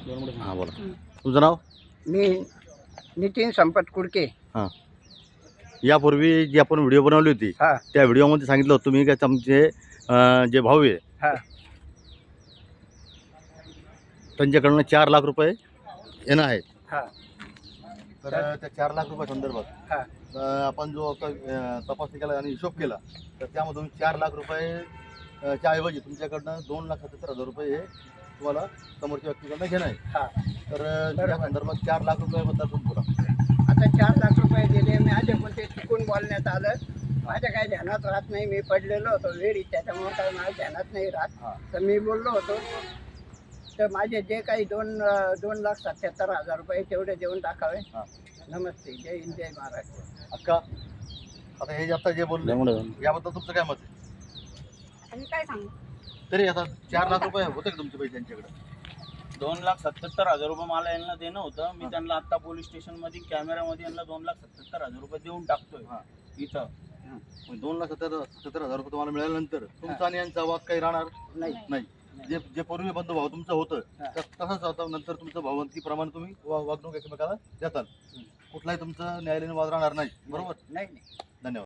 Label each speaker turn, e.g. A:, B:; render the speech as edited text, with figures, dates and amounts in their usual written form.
A: हां बोला. तुमचं नाव?
B: मी नितीन संपत कुडके.
A: हां. यापूर्वी जी आपण व्हिडिओ बनवली होती
B: हा
A: त्या व्हिडिओमध्ये सांगितलं होतं तुम्ही काय तुमचे जे भाऊ आहे
B: हा
A: त्यांच्याकडनं 4 लाख रुपये येणं आहेत.
B: हा
A: तर त्या 4 लाख रुपये संदर्भात
B: हा
A: आपण जो तपासणी केला आणि हिशोब केला तर त्यामधून 4 लाख रुपये च्या ऐवजी तुमच्याकडनं 2,77,000 रुपये हे तुम्हाला समोरच्या व्यक्तीकडनं घेणं आहे.
B: हा
A: तर त्या संदर्भात 4 लाख रुपयाबद्दल तुम्ही बोला.
B: आता 4 लाख रुपये दिले. मी आधी पण ते चुकून बोलण्यात आलं. माझ्या काही ध्यानात राहत नाही. मी पडलेलो होतो वेळी, त्याच्यामुळे काही माझ्या ध्यानात नाही राहत.
A: हां.
B: तर मी बोललो होतो तर माझे जे काही 2,77,000 रुपये तेवढे देऊन टाकावे.
A: हां.
B: नमस्ते. जय हिंद, जय महाराष्ट्र.
A: अक्का आता हे जे आता जे बोलले याबद्दल तुमचं काय मत आहे?
C: आणि काय सांगू?
A: तरी आता 4 लाख रुपये होते का तुमचे पैसे त्यांच्याकडे?
D: 2,77,000 रुपये मला यांना देणं होतं. मी त्यांना आता पोलीस स्टेशन मध्ये कॅमेऱ्यामध्ये यांना 2,77,000 रुपये देऊन टाकतोय इथं.
A: 2,77,000 रुपये तुम्हाला मिळाल्यानंतर तुमचा आणि यांचा वाद काही राहणार
B: नाही.
A: नाही. जे जे पूर्वी बंधू भाऊ तुमचं होतं
B: हा.
A: तर तसंच आता नंतर तुमचं भावंतीप्रमाणे तुम्ही वागणूक एकमेकाला देताल. कुठलाही तुमचं न्यायालयीन वाद राहणार नाही. बरोबर.
B: नाही.
A: धन्यवाद.